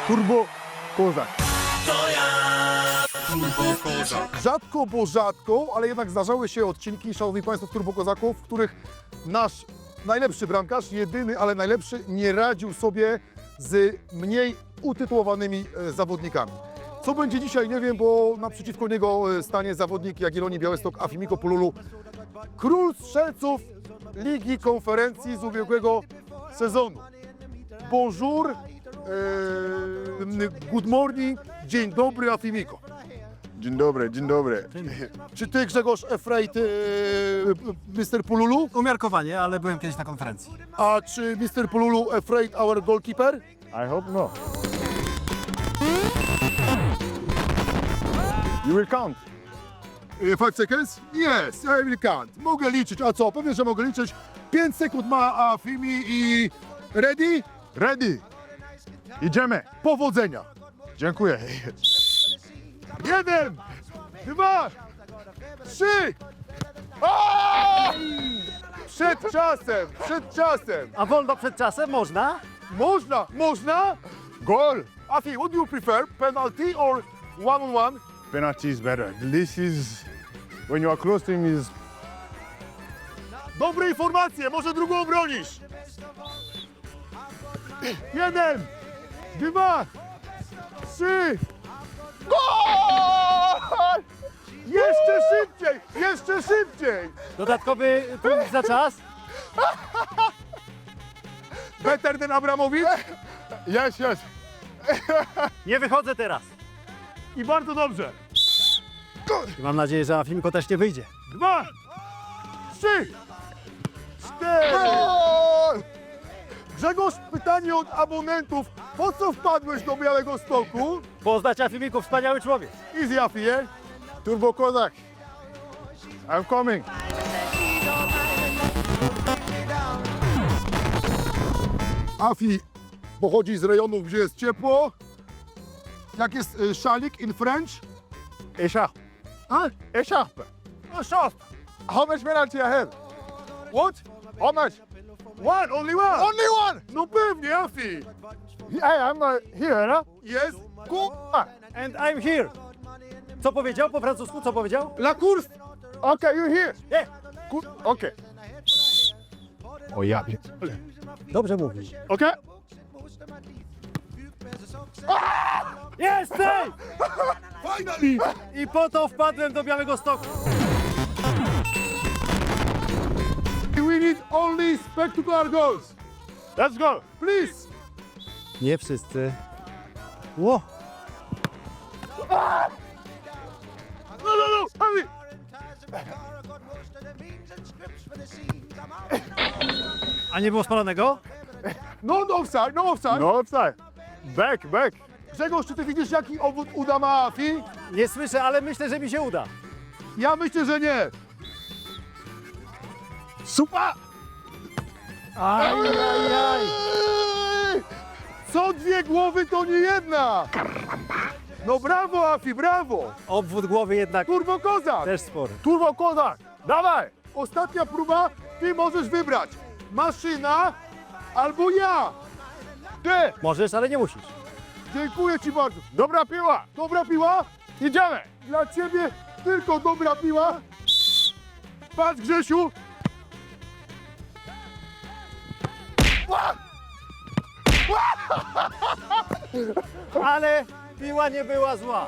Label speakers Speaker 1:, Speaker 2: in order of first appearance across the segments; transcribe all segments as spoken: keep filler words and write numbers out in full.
Speaker 1: Turbo Kozak.
Speaker 2: Turbo Kozak.
Speaker 1: Rzadko, bo rzadko, ale jednak zdarzały się odcinki, szanowni państwo, z Turbo Kozaków, w których nasz najlepszy bramkarz, jedyny, ale najlepszy, nie radził sobie z mniej utytułowanymi e, zawodnikami. Co będzie dzisiaj, nie wiem, bo naprzeciwko niego e, stanie zawodnik Jagiellonii Białystok Afimiko Pululu, król strzelców Ligi Konferencji z ubiegłego sezonu. Bonjour, e, good morning, dzień dobry Afimiko.
Speaker 3: Dzień dobry, dzień dobry.
Speaker 1: Czy ty, Grzegorz, afraid e, mister Pululu?
Speaker 4: Umiarkowanie, ale byłem kiedyś na konferencji.
Speaker 1: A czy mister Pululu afraid our goalkeeper?
Speaker 3: I hope no. You will count.
Speaker 1: E, Five seconds? Yes, I will count. Mogę liczyć. A co? Pewnie, że mogę liczyć. Pięć sekund ma Afimi i ready?
Speaker 3: Ready. Idziemy.
Speaker 1: Powodzenia.
Speaker 3: Dziękuję.
Speaker 1: Jeden, dwa, trzy. Aaaa! Przed czasem, przed czasem.
Speaker 4: A wolno przed czasem można?
Speaker 1: Można, można?
Speaker 3: Goal.
Speaker 1: Afi, what do you prefer? Penalty or one on one?
Speaker 3: Penalty is better. This is when you are close to him is
Speaker 1: Dobre informacje, może drugą bronisz. Jeden, dwa, trzy. Gol! Jeszcze szybciej, jeszcze szybciej.
Speaker 4: Dodatkowy punkt za czas?
Speaker 1: Better than Abramowicz.
Speaker 3: yes, yes.
Speaker 4: Nie wychodzę teraz.
Speaker 1: I bardzo dobrze.
Speaker 4: I mam nadzieję, że Afimko też nie wyjdzie.
Speaker 1: Dwa, trzy, cztery.
Speaker 3: Goal!
Speaker 1: Grzegorz, pytanie od abonentów. Po co wpadłeś do Białego Stoku?
Speaker 4: Poznać Afimiku, wspaniały człowiek.
Speaker 1: Easy, Afi, eh?
Speaker 3: Turbo Kozak. I'm coming.
Speaker 1: Afi pochodzi z rejonów, gdzie jest ciepło. Jak jest y, szalik in French?
Speaker 3: Écharpe.
Speaker 1: A?
Speaker 3: Écharpe.
Speaker 1: A szaf.
Speaker 3: How much penalty I have?
Speaker 1: What?
Speaker 3: How much?
Speaker 1: One, only one.
Speaker 3: Only one.
Speaker 1: No pewnie, Afi.
Speaker 3: Hey, I'm uh, here, no?
Speaker 1: Jest.
Speaker 3: Go.
Speaker 4: And I'm here. Co powiedział po francusku? Co powiedział?
Speaker 1: La course.
Speaker 3: Okay, you here.
Speaker 4: Nie.
Speaker 3: Good. Okay. O ja pierdolę.
Speaker 4: Dobrze mówi.
Speaker 3: Okay.
Speaker 4: Jesteś!
Speaker 1: Finally.
Speaker 4: I po to wpadłem do Białego Stoku.
Speaker 1: We need only spectacular goals.
Speaker 3: Let's go.
Speaker 1: Please.
Speaker 4: Nie wszyscy. Ło.
Speaker 1: No, no, no. Afi.
Speaker 4: A nie było spalonego?
Speaker 1: No, no offside, no offside.
Speaker 3: No offside. Back, back.
Speaker 1: Grzegorz, czy ty widzisz, jaki obwód uda ma Afi?
Speaker 4: Nie słyszę, ale myślę, że mi się uda.
Speaker 1: Ja myślę, że nie.
Speaker 3: Super.
Speaker 4: Aj, aj, aj.
Speaker 1: Co dwie głowy, to nie jedna. No brawo, Afi, brawo.
Speaker 4: Obwód głowy jednak
Speaker 1: Turbo Kozak.
Speaker 4: też spory.
Speaker 3: Turbo Kozak. Dawaj.
Speaker 1: Ostatnia próba, ty możesz wybrać. Maszyna albo ja.
Speaker 3: Ty.
Speaker 4: Możesz, ale nie musisz.
Speaker 1: Dziękuję ci bardzo.
Speaker 3: Dobra piła.
Speaker 1: Dobra piła?
Speaker 3: Idziemy.
Speaker 1: Dla ciebie tylko dobra piła. Patrz, Grzesiu.
Speaker 4: Ale piła nie była zła.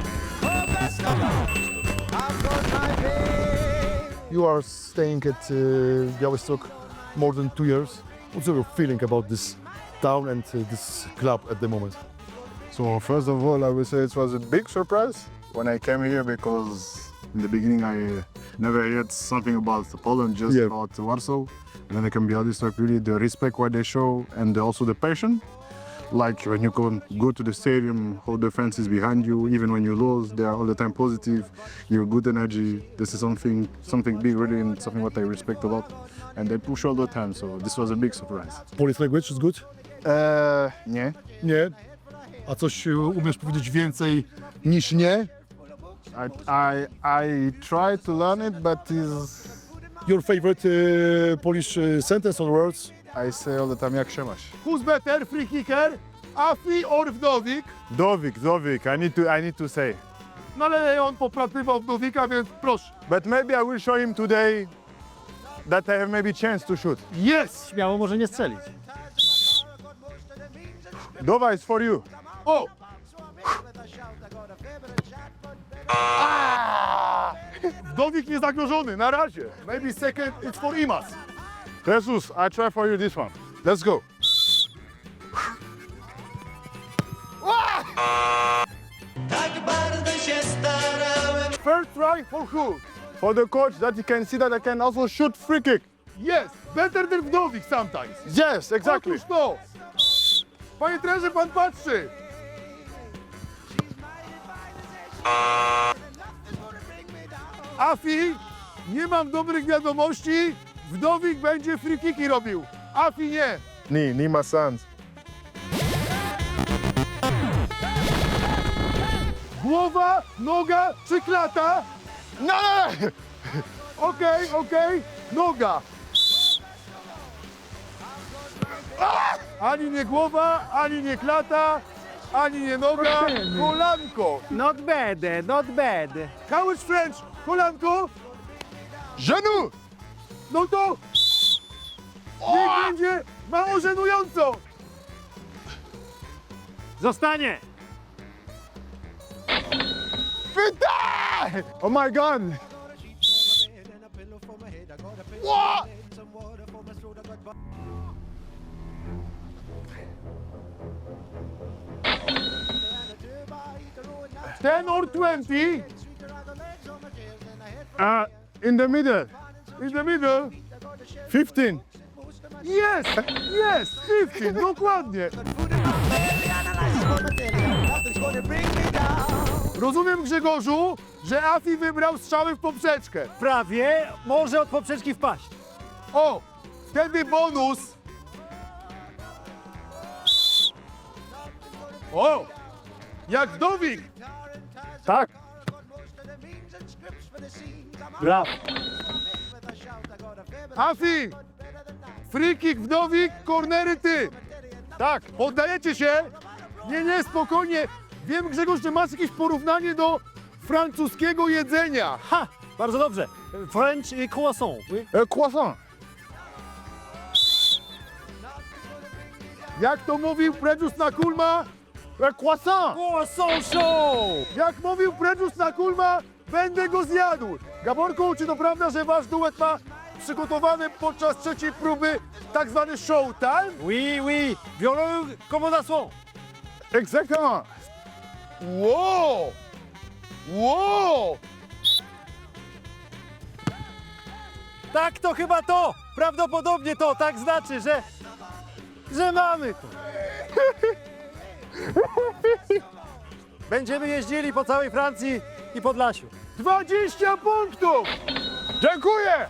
Speaker 1: You are staying at uh, Białystok more than two years. What's your feeling about this town and uh, this club at the moment?
Speaker 3: So first of all, I would say it was a big surprise when I came here because in the beginning I never heard something about Poland, just
Speaker 1: Yeah.
Speaker 3: about Warsaw. And then I can be honest, like really the respect what they show and also the passion. Like when you go, go to the stadium, all the fans is behind you. Even when you lose, they are all the time positive. You're good energy. This is something something big really and something what I respect a lot. And they push all the time, so this was a big surprise.
Speaker 1: Polish language is good?
Speaker 3: Uh, nie.
Speaker 1: Nie. A coś uh, umiesz powiedzieć więcej niż nie?
Speaker 3: I, I, I try to learn it, but is
Speaker 1: Your favorite uh, Polish uh, sentence or words?
Speaker 3: I say all the time, jak się masz?
Speaker 1: Who's better, free kicker Afi or Wdowik.
Speaker 3: Dovik, Dovik, I need to, I need to say.
Speaker 1: No ale on popratywał Wdowika, więc proszę.
Speaker 3: But maybe I will show him today that I have maybe chance to shoot.
Speaker 1: Jest!
Speaker 4: Śmiało może nie strzelić.
Speaker 3: Dova is for you.
Speaker 1: O! Ah! Wdowik niezagrożony, na razie. Maybe second, it's for Imas.
Speaker 3: Jesus, I try for you this one. Let's go.
Speaker 2: Tak bardzo się starałem.
Speaker 1: First try for who?
Speaker 3: For the coach, that you can see that I can also shoot free kick.
Speaker 1: Yes, better than Wdowik sometimes.
Speaker 3: Yes, exactly.
Speaker 1: Otóż to. Panie trenerze, pan patrzy. Afi, nie mam dobrych wiadomości. Wdowik będzie free kicki robił. Afi nie.
Speaker 3: Ni, ni my sons.
Speaker 1: Głowa, noga czy klata?
Speaker 3: No, no, no.
Speaker 1: Okej, okej, noga. Ani nie głowa, ani nie klata, ani nie noga, kolanko.
Speaker 4: Not bad, not bad.
Speaker 1: How is French? Kolanko?
Speaker 3: Genou.
Speaker 1: No to niech będzie mało żenująco.
Speaker 4: Zostanie.
Speaker 3: Putain! Oh my God. What?
Speaker 1: ten or twenty
Speaker 3: Uh, in the middle.
Speaker 1: in the middle.
Speaker 3: fifteen.
Speaker 1: Yes, yes, fifteen, dokładnie. Rozumiem, Grzegorzu, że Afi wybrał strzały w poprzeczkę.
Speaker 4: Prawie może od poprzeczki wpaść.
Speaker 1: O, wtedy bonus. O, jak Wdowik.
Speaker 3: Tak.
Speaker 4: Brawo.
Speaker 1: Afi, free kick Wdowik, kornery ty.
Speaker 3: Tak.
Speaker 1: Poddajecie się? Nie, nie, spokojnie. Wiem, Grzegorz, że masz jakieś porównanie do francuskiego jedzenia.
Speaker 4: Ha! Bardzo dobrze. French y, croissant. Oui.
Speaker 3: Uh, croissant.
Speaker 1: Jak to mówił Predus na Kulma?
Speaker 3: Uh, croissant.
Speaker 4: Croissant show!
Speaker 1: Jak mówił Predus na Kulma, będę go zjadł. Gaborku, czy to prawda, że wasz duet ma przygotowany podczas trzeciej próby tak zwany showtime?
Speaker 4: Oui, oui. Violon commandation.
Speaker 3: Exactement.
Speaker 1: Wow! Wow!
Speaker 4: Tak, to chyba to. Prawdopodobnie to tak znaczy, że, że mamy to. Będziemy jeździli po całej Francji i Podlasiu.
Speaker 1: dwadzieścia punktów!
Speaker 3: Dziękuję.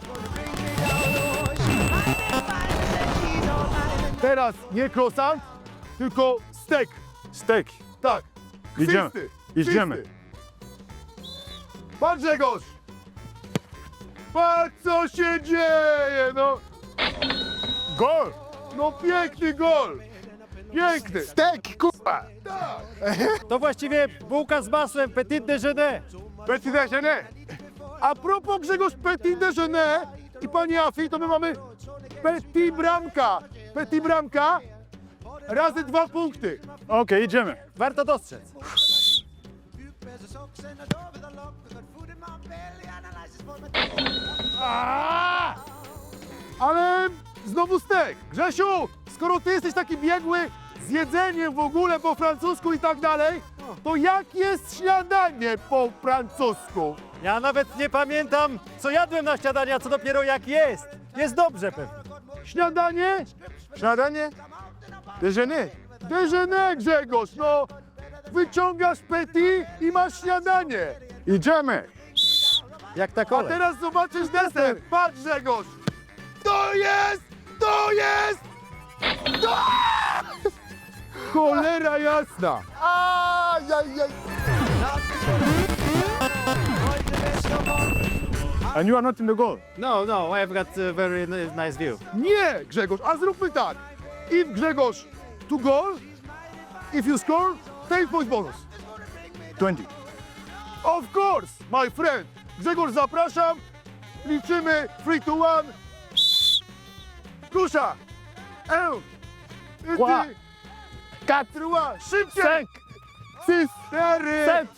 Speaker 1: Teraz nie croissant, tylko steak.
Speaker 3: Steak.
Speaker 1: Tak.
Speaker 3: Idziemy.
Speaker 1: Kwisty,
Speaker 3: Idziemy.
Speaker 1: kwisty. Pan Grzegorz! Patrz, co się dzieje, no!
Speaker 3: Gol.
Speaker 1: No piękny gol! Piękny!
Speaker 3: Steak, kurwa.
Speaker 4: To właściwie bułka z masłem, petit déjeuner.
Speaker 3: Petit déjeuner.
Speaker 1: A propos Grzegorz Petit Déjeuner i pani Afi, to my mamy Petit Bramka. Petit Bramka razy dwa punkty.
Speaker 3: Okej, idziemy.
Speaker 4: Warto dostrzec.
Speaker 1: A! Ale znowu stek. Grzesiu, skoro ty jesteś taki biegły z jedzeniem w ogóle po francusku i tak dalej, to jak jest śniadanie po francusku?
Speaker 4: Ja nawet nie pamiętam, co jadłem na śniadanie, a co dopiero jak jest. Jest dobrze pewnie.
Speaker 1: Śniadanie?
Speaker 3: Śniadanie? Déjeuner.
Speaker 1: Déjeuner, Grzegorz, no. Wyciągasz petit i masz śniadanie.
Speaker 3: Idziemy.
Speaker 4: Jak ta
Speaker 1: A
Speaker 4: kolej.
Speaker 1: teraz zobaczysz deser. Patrz, Grzegorz. To jest! To jest! To... Cholera jasna.
Speaker 3: Ajajaj. And you are not in the goal.
Speaker 4: No, no, I've got a very n- nice view.
Speaker 1: Nie, Grzegorz, a zróbmy tak. If Grzegorz to goal, If you score, ten point bonus.
Speaker 3: twenty.
Speaker 1: Of course, my friend. Grzegorz, zapraszam. Liczymy three to one. Kusza. Un.
Speaker 4: Trois.
Speaker 1: Deux. Quatre. Szybciej.
Speaker 4: Cinq.
Speaker 1: Six. Cztery.
Speaker 4: Sept.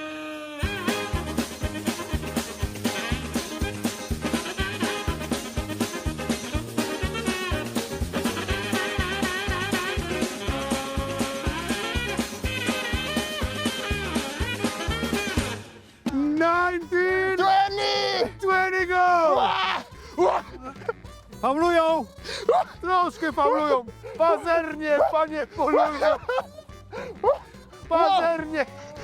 Speaker 1: nineteen. Twenty. Twenty go.
Speaker 4: Faulują!
Speaker 1: Troszkę faulują. Pazernie, panie polują. Pazernie.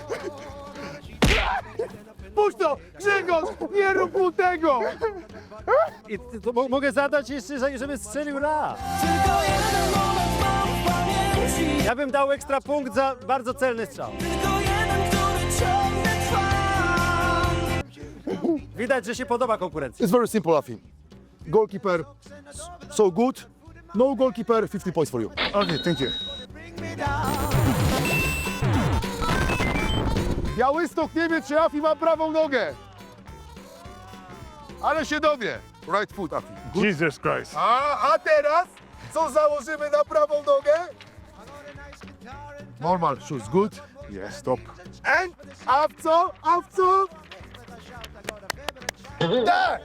Speaker 1: Puść to! Grzegorz, nie rób mu tego!
Speaker 4: I ty- to mo- mogę zadać jeszcze, że- żeby strzelił raz.
Speaker 2: Tylko jeden moment mam w pamięci.
Speaker 4: Ja bym dał ekstra punkt za bardzo celny strzał.
Speaker 2: Tylko jeden, który ciągle trwa.
Speaker 4: Widać, że się podoba konkurencja.
Speaker 1: It's very simple, Afi. Goalkeeper, so good. No goalkeeper, fifty points for you.
Speaker 3: Okay, thank you.
Speaker 1: Białystok nie wie, czy Afi ma prawą nogę. Ale się dowie. Right foot, Afi. Good.
Speaker 3: Jesus Christ.
Speaker 1: A, a teraz co założymy na prawą nogę? Normal shoes, good.
Speaker 3: Yeah, stop.
Speaker 1: And, a w co? A w co? Tak!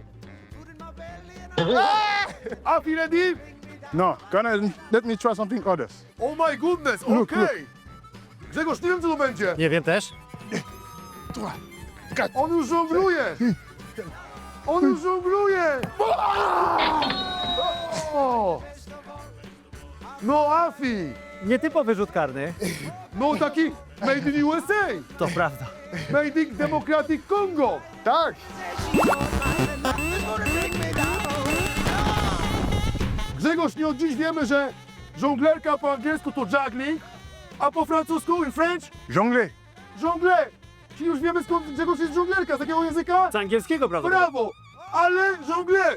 Speaker 1: Ah! Afi ready?
Speaker 3: No, can I, let me try something others.
Speaker 1: Oh my goodness,
Speaker 3: Look,
Speaker 1: okej. Grzegorz, nie wiem co to będzie.
Speaker 4: Nie wiem też.
Speaker 1: On już żongluje. On już żongluje. O! No Afi,
Speaker 4: Nietypowy rzut karny.
Speaker 1: no taki made in U S A.
Speaker 4: To prawda.
Speaker 1: Made in Democratic Congo. Tak. Grzegorz, nie od dziś wiemy, że żonglerka po angielsku to juggling, a po francusku in French
Speaker 3: Jonglez.
Speaker 1: jongle. Czyli już wiemy skąd Grzegorz jest żonglerka, z jakiego języka?
Speaker 4: Z angielskiego, prawda?
Speaker 1: Brawo, ale żongle.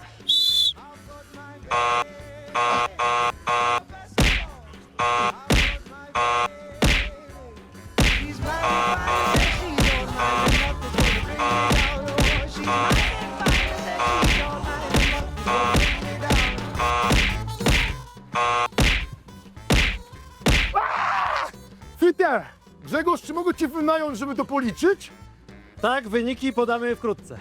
Speaker 1: Fiter! Grzegorz, czy mogę cię wynająć, żeby to policzyć?
Speaker 4: Tak, wyniki podamy wkrótce.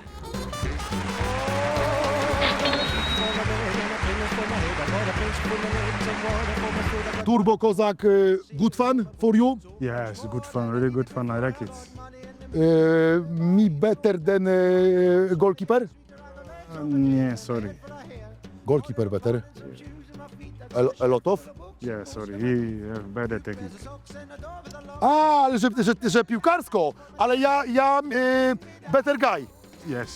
Speaker 1: Turbo Kozak, y, good fun for you?
Speaker 3: Yeah, it's good fun, really good fun. I like it.
Speaker 1: Y, me better than y, goalkeeper?
Speaker 3: Um, yeah, sorry.
Speaker 1: Goalkeeper better. A, a lot of?
Speaker 3: Yeah, sorry. He have better technique.
Speaker 1: A, ale że, że, że piłkarsko, ale ja, ja y, better guy.
Speaker 3: Yes.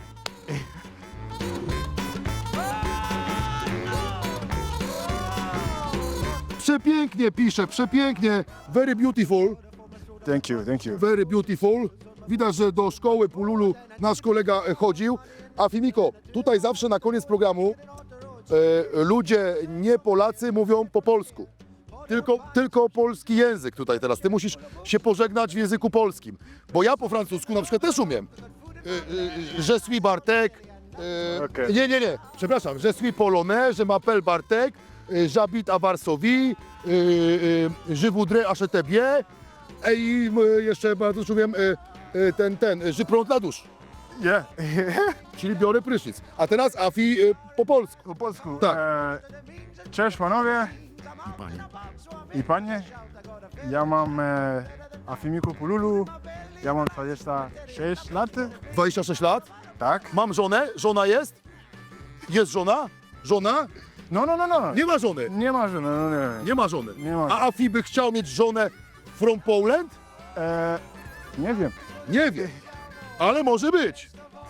Speaker 1: Przepięknie pisze, przepięknie. Very beautiful,
Speaker 3: Thank you, thank you.
Speaker 1: very beautiful. Widać, że do szkoły Pululu nasz kolega e, chodził. A Fimiko, tutaj zawsze na koniec programu e, ludzie, nie Polacy, mówią po polsku. Tylko, tylko polski język tutaj teraz. Ty musisz się pożegnać w języku polskim. Bo ja po francusku na przykład też umiem. E, e, Je suis Bartek. E,
Speaker 3: Okej.
Speaker 1: Nie, nie, nie. Przepraszam. Je suis polonais, je m'appelle Bartek. e, J'habite à Varsovie. e, e, Je voudrais acheter bien. E, I e, jeszcze bardzo umiem e, e, ten, ten, e, je prends la douche.
Speaker 3: Yeah.
Speaker 1: Czyli biorę prysznic. A teraz Afi e, po polsku.
Speaker 3: Po polsku.
Speaker 1: Tak.
Speaker 3: E, cześć panowie. I panie. I panie. Ja mam e, Afimiku Pululu. Ja mam dwadzieścia sześć lat.
Speaker 1: dwadzieścia sześć lat.
Speaker 3: Tak.
Speaker 1: Mam żonę. Żona jest? Jest żona? Żona?
Speaker 3: No, no, no, no.
Speaker 1: Nie ma żony.
Speaker 3: Nie ma żony, no nie.
Speaker 1: Nie ma żony.
Speaker 3: Nie ma.
Speaker 1: A Afi by chciał mieć żonę from Poland?
Speaker 3: E, nie wiem.
Speaker 1: Nie wiem. Ale może być.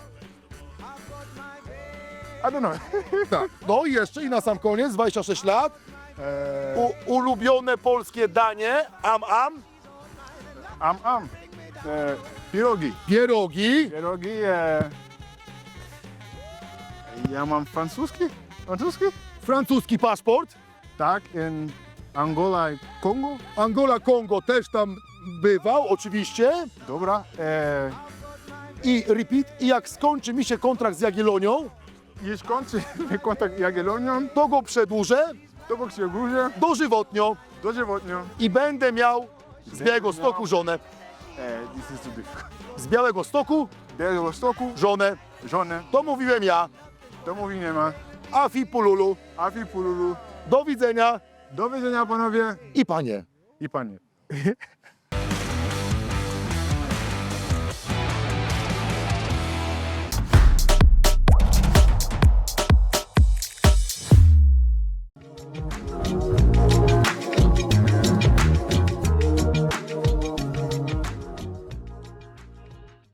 Speaker 3: I don't know.
Speaker 1: Tak. No i jeszcze i na sam koniec, dwadzieścia sześć lat.
Speaker 3: E,
Speaker 1: U, ulubione polskie danie. Am, am.
Speaker 3: am, am. E, pirogi.
Speaker 1: Pierogi.
Speaker 3: Pierogi. E, ja mam francuski. Francuski?
Speaker 1: Francuski paszport.
Speaker 3: Tak. In Angola i Kongo?
Speaker 1: Angola, Kongo też tam bywał, oczywiście.
Speaker 3: Dobra. E,
Speaker 1: I repeat, i jak skończy mi się kontrakt z Jagiellonią,
Speaker 3: I skończy mi kontakt z Jagiellonią,
Speaker 1: to go przedłużę
Speaker 3: to go się górze,
Speaker 1: dożywotnio
Speaker 3: dożywotnio.
Speaker 1: i będę miał z Białego Stoku żonę.
Speaker 3: E, this is too difficult.
Speaker 1: Z Białego Stoku
Speaker 3: Białego Stoku,
Speaker 1: żonę.
Speaker 3: żonę,
Speaker 1: To mówiłem ja.
Speaker 3: to mówi nie ma.
Speaker 1: Afi Pululu.
Speaker 3: Afi Pululu.
Speaker 1: Do widzenia
Speaker 3: Do widzenia panowie
Speaker 1: i panie.
Speaker 3: i panie.